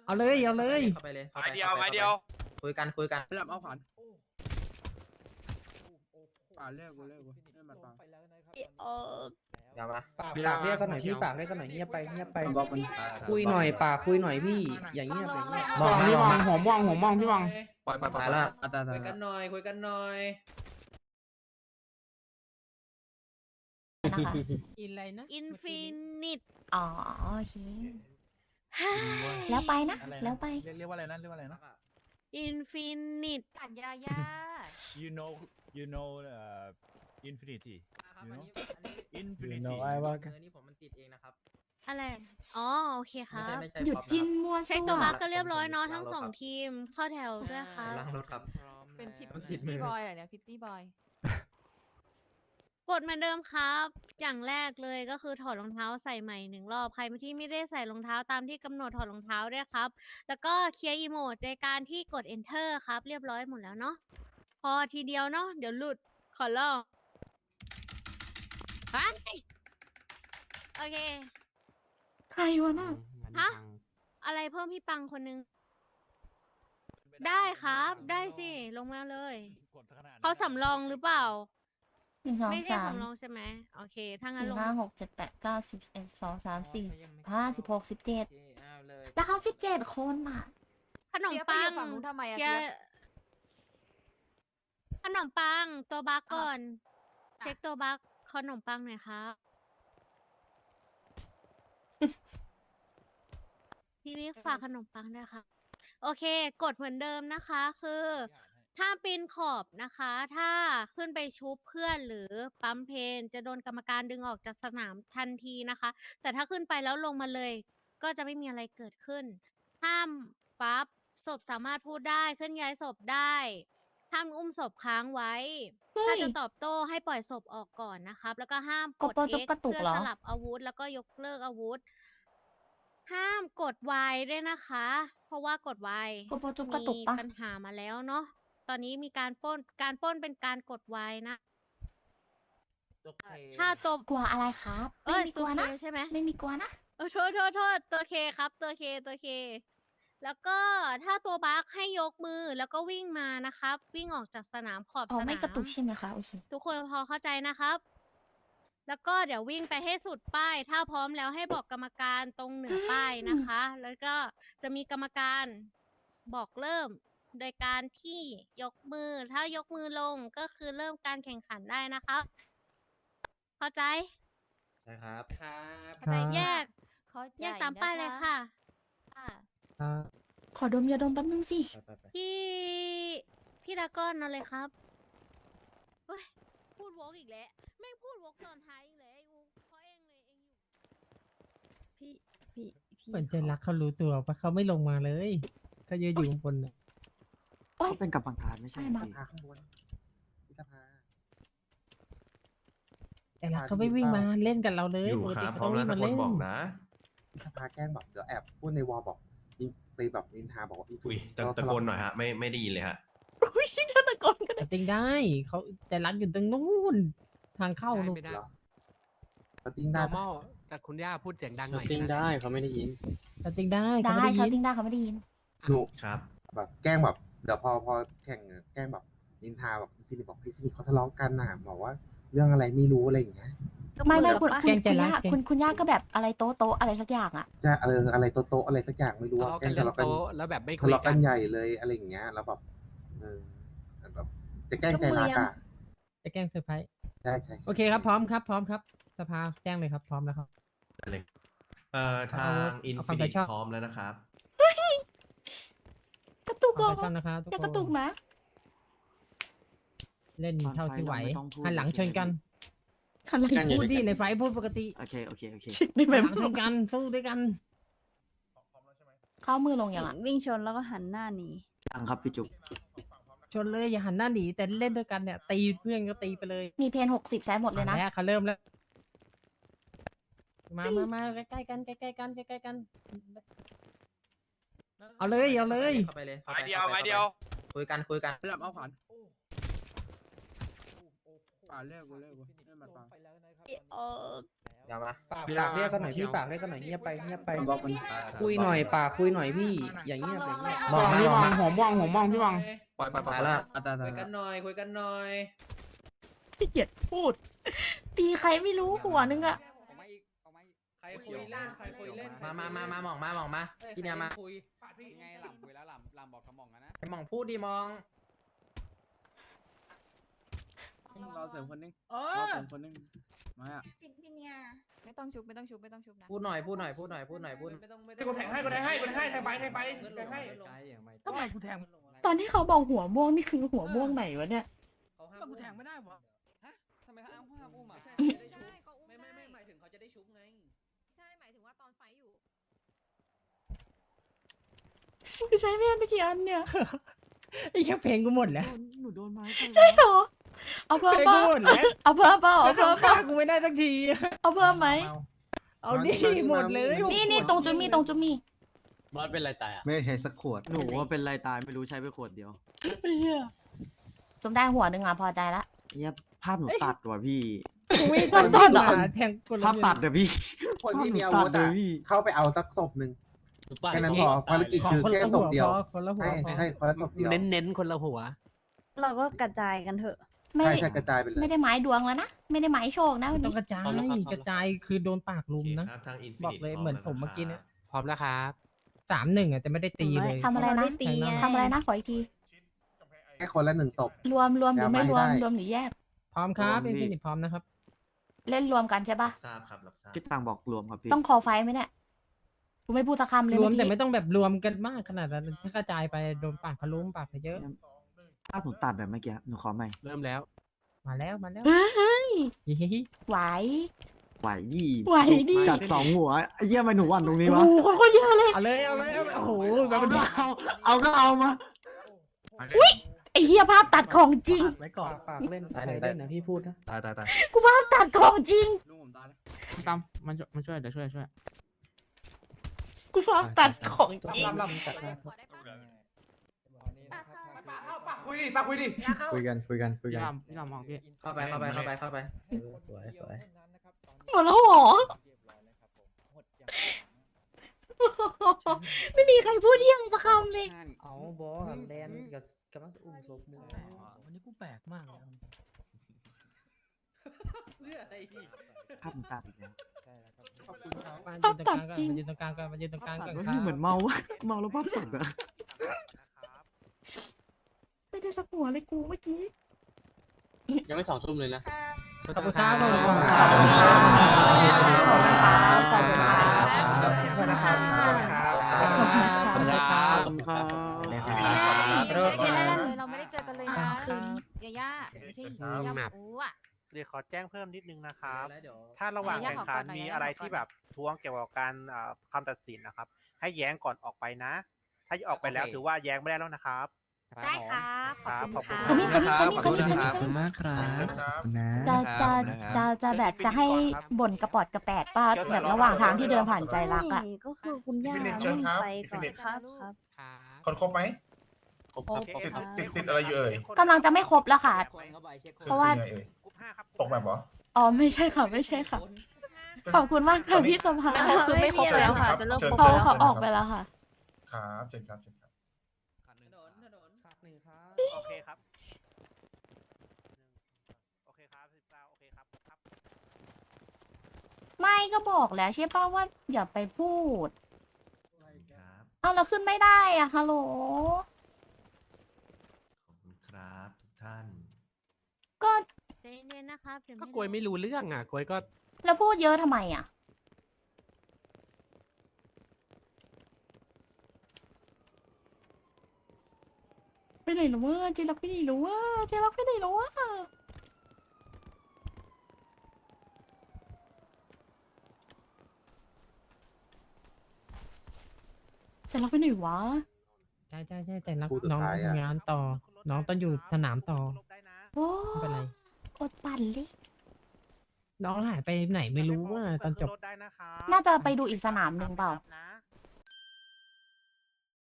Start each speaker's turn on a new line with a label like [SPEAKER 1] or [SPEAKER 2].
[SPEAKER 1] เอาเลยเอาเลย
[SPEAKER 2] เข้าไปเลย
[SPEAKER 3] ไม้เดียวไม้เดียว
[SPEAKER 2] คุยกัน
[SPEAKER 4] หลับเอาขวานเลิกไม่มาฟัง
[SPEAKER 2] อย่ามา
[SPEAKER 5] ปากเรียกกันหน่อยพี่ปากเรียกกันหน่อยเงียบไปคุยหน่อยปากคุยหน่อยพี่อย่างเงียบอย่างเงียบ
[SPEAKER 4] มองพี่มองหัวมองพี่มอง
[SPEAKER 2] ปล่อยแล้ว
[SPEAKER 5] คุยกันหน่อยคุยกันหน่อย
[SPEAKER 1] อินอะไรนะ
[SPEAKER 6] อินฟินิต
[SPEAKER 7] อ๋อโอเคแล้วไปนะแล้วไป
[SPEAKER 8] เรียกว่าอะไรนะเรียกว่าอะไรนะ
[SPEAKER 6] อินฟินิต
[SPEAKER 7] ปัญญายา
[SPEAKER 8] you know infinity
[SPEAKER 2] ครับอันนี้
[SPEAKER 8] infinity
[SPEAKER 2] นี่ผมมันติดเองนะครับ
[SPEAKER 6] อะไร อ๋อ โอเคครับ
[SPEAKER 2] ไม่ใช่
[SPEAKER 7] หยุดจิ้นมั่ว
[SPEAKER 6] เช็คตัวบัคก็เรียบร้อยเนาะทั้งสองทีม เข้าแถวด้วยครับ
[SPEAKER 2] ล้างรถครับ
[SPEAKER 7] เป็นพิต
[SPEAKER 2] มันติดมือ
[SPEAKER 7] ตี้บอยเหรอเนี่ยพิตตี้บอย
[SPEAKER 6] กดเหมือนเดิมครับ อย่างแรกเลยก็คือถอดรองเท้าใส่ใหม่หนึ่งรอบ ใครที่ไม่ได้ใส่รองเท้าตามที่กำหนดถอดรองเท้าด้วยครับ แล้วก็เคลียร์อีโมดในการที่กด enter ครับ เรียบร้อยหมดแล้วเนาะ พอทีเดียวเนาะ เดี๋ยวหลุด ขอลองไปโอเค
[SPEAKER 7] ใครวะน่ะ
[SPEAKER 6] ฮะ อะไรเพิ่มพี่ปังคนนึง ได้ครับ ได้สิ ลงมาเลย เขาสำรองหรือเปล่า
[SPEAKER 7] 1 2
[SPEAKER 6] ไม่ใช่
[SPEAKER 7] 3
[SPEAKER 6] สำรองใช่ไหมโอเค ถ้างั้นลง
[SPEAKER 7] 4 5 6 7 8 9 10 11 12 13 14 15 16 17
[SPEAKER 2] เอาเลย
[SPEAKER 7] แล้วเขา17 คนอ่ะ
[SPEAKER 6] ขนมปัง
[SPEAKER 7] ฝั่งนู้นทำไมอะ
[SPEAKER 6] เคลียร์ขนมปัง ตัวบักก่อน เช็คตัวบักขนมปังหน่อยครับ พี่มิกฝากขนมปังด้วยค่ะ โอเค กดเหมือนเดิมนะคะ คือถ้าปีนขอบนะคะ ถ้าขึ้นไปชุบเพื่อนหรือปั๊มเพนจะโดนกรรมการดึงออกจากสนามทันทีนะคะ แต่ถ้าขึ้นไปแล้วลงมาเลย ก็จะไม่มีอะไรเกิดขึ้น ห้ามปั๊บศพสามารถพูดได้เคลื่อนย้ายศพได้ ห้ามอุ้มศพค้างไว้
[SPEAKER 7] เฮ้ย
[SPEAKER 6] ถ้าจะตอบโต้ให้ปล่อยศพออกก่อนนะครับ แล้วก็ห้ามกด
[SPEAKER 7] โปรจุก
[SPEAKER 6] X
[SPEAKER 7] กระตุก
[SPEAKER 6] เพื่อ
[SPEAKER 7] เหรอ
[SPEAKER 6] สลับอาวุธ แล้วก็ยกเลิกอาวุธ ห้ามกด Y ด้วยนะคะ เพราะว่ากด Y
[SPEAKER 7] โปรจุกกระตุก
[SPEAKER 6] มี
[SPEAKER 7] ปะ
[SPEAKER 6] ปัญหามาแล้วเนาะ ตอนนี้มีการปล้น การปล้นเป็นการกด Y นะ ถ้าตัว
[SPEAKER 7] กลัวอะไรครับ ไม่มีก
[SPEAKER 6] ตั
[SPEAKER 7] ลั
[SPEAKER 6] ว
[SPEAKER 7] ว
[SPEAKER 6] เค
[SPEAKER 7] นะ
[SPEAKER 6] ใช่ไหม
[SPEAKER 7] ไม่มีกลัวนะ
[SPEAKER 6] โทษตัวเคครับ ตัวเค แล้วก็ถ้าตัวบัคให้ยกมือแล้วก็วิ่งมานะครับ วิ่งออกจากสนามขอบ
[SPEAKER 7] อ๋อ
[SPEAKER 6] สนาม
[SPEAKER 7] ไม่กระตุกใช่ไหมคะโอเค
[SPEAKER 6] ทุกคนพอเข้าใจนะครับ แล้วก็เดี๋ยววิ่งไปให้สุดป้าย ถ้าพร้อมแล้วให้บอกกรรมการตรงเหนือป้ายนะคะ แล้วก็จะมีกรรมการบอกเริ่ม โดยการที่ยกมือ ถ้ายกมือลงก็คือเริ่มการแข่งขันได้นะคะเข้าใจ
[SPEAKER 2] นะครับ
[SPEAKER 6] เข้าใจแยก
[SPEAKER 7] เข้าใจ
[SPEAKER 6] แยกตามป้ายเลยค่ะ
[SPEAKER 7] ขอดมยาดมแป๊บนึงสิ
[SPEAKER 2] ไป
[SPEAKER 6] พี่ดรากอนเอาเลยครับเฮ้ยพูดวกอีกแล้วแม่งพูดวกตอนท้ายอีกแล้วไอ้อูเพราะเองเลยเองอยู่
[SPEAKER 1] เหมือนใจรักเขารู้ตัวปะเขาไม่ลงมาเลยเขายืนอยู่ข้างบนน่ะ
[SPEAKER 5] เขาเป็นกรรมการไม่ใช่
[SPEAKER 7] ใช่
[SPEAKER 5] พี่
[SPEAKER 2] พาข้างบนพิธภา
[SPEAKER 1] แต่รักเขาไม่วิ่งมาเล่นกับเราเลย
[SPEAKER 3] อยู่
[SPEAKER 1] ปก
[SPEAKER 3] ค
[SPEAKER 1] ติ
[SPEAKER 3] รับพ
[SPEAKER 1] เขา
[SPEAKER 3] ร้อ
[SPEAKER 1] ต้
[SPEAKER 3] ม
[SPEAKER 1] อง
[SPEAKER 3] แล้
[SPEAKER 1] วิ่
[SPEAKER 3] ว
[SPEAKER 1] ง
[SPEAKER 3] ตะ
[SPEAKER 1] มา
[SPEAKER 3] โก
[SPEAKER 1] เล่น
[SPEAKER 3] นบอกนะ
[SPEAKER 2] พิธภาแกล้งบอกเดี๋ยวแอบพูดในวอลบอกไปแบบนินทาบอกว่า
[SPEAKER 3] อุ้ยตะโกนหน่อยฮะไม่ได้ยินเลยฮะ
[SPEAKER 1] แต่ติงได้เขาแต่รักอยู่ตรงนู้นทางเข้านู่น
[SPEAKER 2] เหรอแล้วติ้งได้ปะ
[SPEAKER 5] แต่คุณย่าพูดเสียงดังหน่อย
[SPEAKER 1] แต่ติงได้เขาไม่ได้ยินเขา
[SPEAKER 7] ได้
[SPEAKER 1] ไม่ได้
[SPEAKER 7] ชาว
[SPEAKER 1] ยิน
[SPEAKER 7] ติ้งได้เขาไม่ได้ยิน
[SPEAKER 2] หนู
[SPEAKER 3] ครับ
[SPEAKER 2] แบบแกล้งแบบเดี๋ยวพอแข่งแกล้งแบบนินทาแบบอินฟินิตบอกอินฟินิตเขาทะเลาะกันน่ะบอกว่าเรื่องอะไรไม่รู้อะไรอย่างเงี้ย
[SPEAKER 7] ไม่คุณ
[SPEAKER 1] แกล้งใจรัก
[SPEAKER 7] คุณย่าก็แบบอะไรโต๊ะอะไรสักอย่างอ่ะ
[SPEAKER 2] จะอะไรโต๊ะอะไรสักอย่างไม่รู้ว่าแกล้งทะเลาะกัน
[SPEAKER 5] แล้วแบบไม่คุ
[SPEAKER 2] ทะ
[SPEAKER 5] ย
[SPEAKER 2] เลาะ
[SPEAKER 5] กั
[SPEAKER 2] กัน นใหญ่เลยอะไรอย่างเงี้ยแล้วแบบแบบจะแกล้งใจรักอ่ะ
[SPEAKER 1] จะแกล้งเซอร์ไพรส์
[SPEAKER 2] ใช่ใช่
[SPEAKER 1] โอเคครับพร้อมครับสภาแจ้งเลยครับพร้อมแล้วครับ
[SPEAKER 3] ได้เลยทาง อิน
[SPEAKER 1] เอา
[SPEAKER 3] ฟิ
[SPEAKER 1] คำ
[SPEAKER 3] นิ
[SPEAKER 1] ใส่
[SPEAKER 3] ต
[SPEAKER 1] ชอบ
[SPEAKER 3] พร้อมแล้วนะครับ
[SPEAKER 7] กระตุก
[SPEAKER 1] ข
[SPEAKER 7] ก่
[SPEAKER 1] อ
[SPEAKER 7] อน
[SPEAKER 1] บคุณนะครับทุก
[SPEAKER 7] อย่า
[SPEAKER 1] ค
[SPEAKER 7] กระตุก
[SPEAKER 1] น
[SPEAKER 7] นะ
[SPEAKER 1] เล่นเท่าที่ไหว
[SPEAKER 5] ไม่ต้องพูด
[SPEAKER 1] หันหลังชนกัน
[SPEAKER 7] อะไร
[SPEAKER 1] พูดดิในไฟท์พูดปกติ
[SPEAKER 5] โอเคโอเค
[SPEAKER 7] ในแบ
[SPEAKER 1] หัน
[SPEAKER 7] บ
[SPEAKER 1] หลังชนกันสู้ด้วยกัน
[SPEAKER 7] เข้ามือลงอย่างอ่ะ
[SPEAKER 6] วิ่งชนแล้วก็หันหน้าหนี
[SPEAKER 5] ยังครับพี่จุ๊บ
[SPEAKER 1] ชนเลยอย่าหันหน้าหนีแต่เล่นด้วยกันเนี่ยตีเพื่อนก็ตีไปเลย
[SPEAKER 7] มีเพน60ใช้หมดเลยนะ
[SPEAKER 1] แล้วเขาเริ่มแล้วมาใกล้ๆกันใกล้ๆกันเอาเลย
[SPEAKER 2] เข้าไปเลย
[SPEAKER 3] ไม้เดียวไม้เดียว
[SPEAKER 2] คุยกัน
[SPEAKER 4] หลับเอาขวานเลิกไม่มาฟัง
[SPEAKER 3] อย่ามา
[SPEAKER 5] ปากเรียกกันหน่อยพี่ปากเรียกกันหน่อยเงียบไปเงียบไป
[SPEAKER 4] บล็อกมัน
[SPEAKER 5] คุยหน่อยปากคุยหน่อยพี่อย่างเงียบอย่างเงียบ
[SPEAKER 4] มองพี่วังผมมองพี่วัง
[SPEAKER 3] ปล่อยแล้ว
[SPEAKER 4] อ่ะแต่
[SPEAKER 5] คุยกันหน่อยคุยกันหน่อย
[SPEAKER 7] ขี้เกียจพูด ตีใครไม่รู้หัวนึงอะ
[SPEAKER 5] ใครคุยเล่นใครคุยเล่น
[SPEAKER 3] มาหม่องมาพี่เนี่ยมา
[SPEAKER 5] คุย
[SPEAKER 4] ไงหลับคุยแล้วหลับบอกกระหม่องนะ
[SPEAKER 3] ไอหม่องพูดดิมอง
[SPEAKER 4] รอเสริมคนนึง
[SPEAKER 5] เอ
[SPEAKER 4] รอ
[SPEAKER 5] อ
[SPEAKER 4] เสริมคนนึงมาอ่ะ
[SPEAKER 7] ไม่ต้องชุบนะ
[SPEAKER 3] พูดหน่อย
[SPEAKER 5] ไม่ต้องกูแทงให้แทงไปแทงให้
[SPEAKER 4] ทำไมกูแทง
[SPEAKER 7] ตอนที่เขาบอกหัวม่วงนี่คือหัวม่วงไหนวะเนี่ย
[SPEAKER 4] กูแทงไม่ได้วะ
[SPEAKER 5] ทำไมเขาอ้างว่าอุ้มอ่ะไม่หมายถึงเขาจะได้ชุบไง
[SPEAKER 6] ใช่ หมายถึงว่าตอนไฟอยู่
[SPEAKER 7] กูใช้เมียนไปกี่อันเนี่ย
[SPEAKER 1] ไอ้แค่เพลงกูหมดแล้ว
[SPEAKER 9] หนูโดนไม้
[SPEAKER 7] ใช่เหรอ เอาเพิ่
[SPEAKER 1] เพ
[SPEAKER 7] ม
[SPEAKER 1] ลง
[SPEAKER 7] เป
[SPEAKER 1] กู
[SPEAKER 7] ล่า
[SPEAKER 1] หมดแล้ว
[SPEAKER 7] เอาเพิ่มเปล่าเอาเพิ่มเป
[SPEAKER 1] ฆ่า
[SPEAKER 7] ล่า
[SPEAKER 1] กูไม่ได้สักที
[SPEAKER 7] เอาเพิ่มไหม
[SPEAKER 1] เอาดิหมดเลย
[SPEAKER 7] นี่ตรงจุดมีตรงจุดมี
[SPEAKER 8] บอสเป็นไรตายอ่ะ
[SPEAKER 9] ไม่ใช่สักขวด หนูว่าเป็นไรตายไม่รู้ใช้ไปขวดเดียว
[SPEAKER 7] จุดได้หัวหนึ่งอ่ะพอใจละ
[SPEAKER 9] เนี่ยภาพหนูตัดว่ะพี่
[SPEAKER 1] กูวิ่ง
[SPEAKER 7] มันต้นเหรอ
[SPEAKER 1] แทงคนละ
[SPEAKER 9] ภาพตัดอะพี่
[SPEAKER 2] คนที่มีอา
[SPEAKER 9] ภาพ
[SPEAKER 2] วุ
[SPEAKER 9] ห
[SPEAKER 2] ธ
[SPEAKER 9] นูตัด
[SPEAKER 2] อะ
[SPEAKER 9] เลยพี่
[SPEAKER 2] เข้าไปเอาสักศพหนึ่งแค่นั้นพอภารกิจ
[SPEAKER 1] ขอ
[SPEAKER 2] คือ
[SPEAKER 1] คน
[SPEAKER 2] แค่
[SPEAKER 1] ละ
[SPEAKER 2] ศ
[SPEAKER 1] หัว
[SPEAKER 2] พเดียว
[SPEAKER 1] พอคนละหัว
[SPEAKER 2] ให้
[SPEAKER 1] พอ
[SPEAKER 2] ให้คนละศพเดียว
[SPEAKER 9] เน้นคนละหัว
[SPEAKER 6] เราก็กระจายกันเถอะ
[SPEAKER 7] ไม่
[SPEAKER 2] ใช่ใช่กระจายไปเลย
[SPEAKER 7] ไม่ได้หมายดวงแล้วนะ ไม่ได้หมายโชคนะวัน
[SPEAKER 1] ต้อง
[SPEAKER 7] นี้
[SPEAKER 1] กระจายกระจายคือโดนปากลุมนะ
[SPEAKER 3] ทางอินฟิ
[SPEAKER 1] บอกเลยเหมือนผมเมื่อกี้เนี่ย
[SPEAKER 9] พร้อมแล้วครับ
[SPEAKER 1] 3-1อ่ะแต่ไม่ได้ตีเลย
[SPEAKER 7] ทำอะไรนะ
[SPEAKER 6] ตีไง
[SPEAKER 7] ทำอะไรนะขออีกที
[SPEAKER 2] แค่คนละ1ศพ
[SPEAKER 7] รวมหรือไม่รวม
[SPEAKER 2] จำไม่ได้
[SPEAKER 7] รวมหรือแยก
[SPEAKER 1] พร้อมครับ
[SPEAKER 9] รวม
[SPEAKER 1] เป็น
[SPEAKER 9] ดิ
[SPEAKER 1] ฟินิชพร้อมนะครับ
[SPEAKER 7] เล่นรวมกันใช่ปะ
[SPEAKER 3] ทราบครับรับทราบ
[SPEAKER 9] คิดตังบอกรวมครับพี่
[SPEAKER 7] ต้องคอไฟไหมเนี่ยกูไม่พูดสักคำเลย
[SPEAKER 1] รวม
[SPEAKER 7] เอ
[SPEAKER 1] แต่
[SPEAKER 7] กี้
[SPEAKER 1] ไม่ต้องแบบรวมกันมากขนาดนั้นถ้ากระจายไปโดนปากพะลุมปากไปเยอะ
[SPEAKER 9] ภาพหนูตัดแบบเมื่อกี้ หนูขอใหม่ เริ่มแล้ว
[SPEAKER 1] มาแล้ว
[SPEAKER 7] เฮ้ย
[SPEAKER 1] ฮิฮิ
[SPEAKER 7] ไหว
[SPEAKER 9] ไหวดี
[SPEAKER 7] ไหวดิ
[SPEAKER 9] จัด2 หัวไอ้เหี้ยทำไมหนูหวันตรงนี้
[SPEAKER 7] โอ้
[SPEAKER 9] วะ
[SPEAKER 7] โหคนก็เยอะเลย
[SPEAKER 1] เอาเลยเอาเลยโอ้โหแบ
[SPEAKER 9] เอา
[SPEAKER 1] บมัน
[SPEAKER 9] ก็เอาก็เอามา
[SPEAKER 7] ไอ้เฮียภาพตัดของจริง
[SPEAKER 1] ไว้ก่อน
[SPEAKER 5] ปากเล่นใครเล่นนะพี่พูดนะ
[SPEAKER 9] ตาย
[SPEAKER 7] กูภาพตัดของจริง
[SPEAKER 4] ลุงผมตายแล้วตามมันช่วยเดี๋ยวช่วย
[SPEAKER 7] กูภาพตัดของจริง
[SPEAKER 5] ลำจัดมา
[SPEAKER 4] คุยดิ
[SPEAKER 9] คุยกัน
[SPEAKER 4] พี่ลำมองพี่
[SPEAKER 3] เข้าไป
[SPEAKER 5] สวย
[SPEAKER 7] หมดแล้วเหรอ ไม่มีใครพูดเที่ยงสักคำเลย
[SPEAKER 5] เอาบอสแลนกับกำลังจะอุ้มศพมึง
[SPEAKER 1] วันนี้กูแปลกมากเลย
[SPEAKER 5] เพื่ออะไรพี่
[SPEAKER 9] ภาพหนูตัดอีกแล้ว
[SPEAKER 2] ขอบคุณครับ
[SPEAKER 1] มายืนตรงกลางก่อนมายืนตรงกลางก่อนมายืนตรงกลางก่อน
[SPEAKER 9] ว่า
[SPEAKER 1] ครั
[SPEAKER 9] พี่เหมือน
[SPEAKER 1] บ
[SPEAKER 9] เมาวะเมาแล้วภาพตัดอะ
[SPEAKER 7] ไม่ได้สักหัวเลยกูเมื่อกี้
[SPEAKER 8] ยังไม่2 ทุ่มเลยนะ
[SPEAKER 1] ขอบคุณครับขอบคุณ
[SPEAKER 7] ขอบ
[SPEAKER 1] ครั
[SPEAKER 7] คุณ
[SPEAKER 1] บ
[SPEAKER 7] ครับขอบคุณครับ
[SPEAKER 1] ขอบคุณครับ
[SPEAKER 7] ขอบคุณครับ
[SPEAKER 6] เราไม่ได้เจอกันเลยนะยาย่าไม่ใช่ยาย่าอูอ่ะ
[SPEAKER 10] เดี๋ยวขอแจ้งเพิ่มนิดนึงนะครับ
[SPEAKER 5] แล้วเดี๋ยว
[SPEAKER 10] ถ้าระหว่าง
[SPEAKER 6] ขออนุญาต
[SPEAKER 10] แข่งขัน
[SPEAKER 6] ขอก่อนหน่อย
[SPEAKER 10] มี
[SPEAKER 6] นะ
[SPEAKER 10] อะไร
[SPEAKER 6] ขอก่อน
[SPEAKER 10] ที่แบบท้วงเกี่ยวกับการคำตัดสินนะครับ ให้แย้งก่อนออกไปนะ ถ้าออกไปแล้วถือว่าแย้งไม่ได้แล้วนะครับ
[SPEAKER 6] ได้ครับขอบคุณค่ะ
[SPEAKER 7] คนนี้
[SPEAKER 9] มากครับ
[SPEAKER 7] จะแบบจะให้บ่นกระปอดกระแปดป้าแบบระหว่างทางที่เดินผ่านใจรักอ่ะ
[SPEAKER 6] ก็คือคุณย่า
[SPEAKER 11] ฟินิชเชิญครับ
[SPEAKER 6] ไปก่อน
[SPEAKER 11] ฟินิช
[SPEAKER 6] ครับ
[SPEAKER 11] คนครบไหม
[SPEAKER 10] โอเค
[SPEAKER 11] ติดอะไรอยู่เอ่ย
[SPEAKER 7] กำลังจะไม่ครบแล้วค่ะ เพราะว่า
[SPEAKER 11] คือยังไงเอ่ย
[SPEAKER 10] กรุ๊ป5ครับ
[SPEAKER 11] ตกแบบเหรอ
[SPEAKER 7] อ๋อไม่ใช่ค่ะไม่ใช่ค่ะ ขอบคุณมากค่ะพี่สภา
[SPEAKER 6] ไม่ครบแล้วค่ะจะเริ่มครบ
[SPEAKER 7] เขา
[SPEAKER 6] แล้ว
[SPEAKER 7] เขาออกไปแล้วค่ะ
[SPEAKER 11] ครับเชิญครับเชิญครับ
[SPEAKER 5] ถนนขาดหนึ่งครับ
[SPEAKER 10] โอเคครับ โอเคครับ19โอเคครับครับ
[SPEAKER 7] ไม่ก็บอกแล้วใช่ป่ะว่าอย่าไปพูด
[SPEAKER 3] ครับ
[SPEAKER 7] เอาเราขึ้นไม่ได้อ่ะฮัลโหล
[SPEAKER 3] ขอบคุณครับทุกท่าน
[SPEAKER 7] ก็
[SPEAKER 6] ใจเย็นๆนะครับ
[SPEAKER 9] ก็กลวยไม่รู้เรื่องอ่ะกลวยก็
[SPEAKER 7] แล้วพูดเยอะทำไมอ่ะ ไปไหนหรอวะเจรักไปไหนหรอวะเจรักไปไหนหรอวะเจรักไปไหนวะ
[SPEAKER 1] ใช่แต่รัก
[SPEAKER 2] คู่สุด
[SPEAKER 1] น้อง
[SPEAKER 2] ท้ายอะ
[SPEAKER 1] ทำงานต่อ น้องต้องอยู่สนามต่อ
[SPEAKER 7] โอ้
[SPEAKER 1] ไม่เป็นไร
[SPEAKER 7] อดปั่นเลย
[SPEAKER 1] น้องหายไปไหนไม่รู้ว่าตอนจบ
[SPEAKER 10] ได้นะครับ
[SPEAKER 7] น่าจะไปดูอีกสนามหนึ่งเปล่า
[SPEAKER 10] นะ